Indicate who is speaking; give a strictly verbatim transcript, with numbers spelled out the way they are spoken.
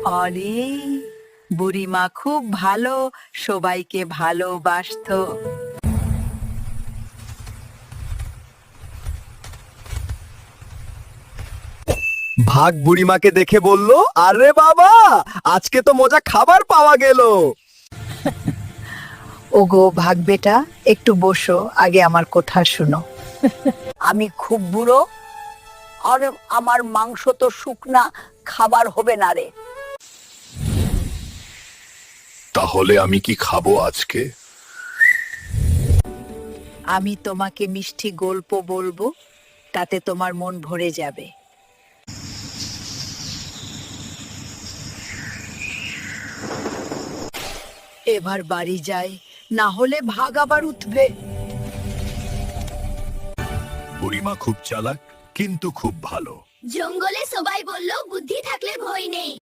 Speaker 1: আরে, বুড়িমা খুব ভালো, সবাইকে ভালোবাসতো।
Speaker 2: ভাগ বুড়িমাকে দেখে বলল, আরে বাবা, আজকে তো মজা খাবার পাওয়া গেল।
Speaker 1: ওগো ভাগ বেটা, একটু বসো, আগে আমার কথা শুনো। আমি খুব বুড়ো, আর আমার মাংস তো শুকনা, খাবার হবে না রে।
Speaker 3: তাহলে আমি কি খাবো আজকে?
Speaker 1: আমি তোমাকে মিষ্টি গল্প বলবো, তাতে তোমার মন ভরে যাবে। এবার বাড়ি যাই, না হলে ভাগ আবার উঠবে।
Speaker 3: বুড়িমা খুব চালাক, কিন্তু খুব ভালো।
Speaker 4: জঙ্গলে সবাই বলল বুদ্ধি থাকলে ভয় নেই।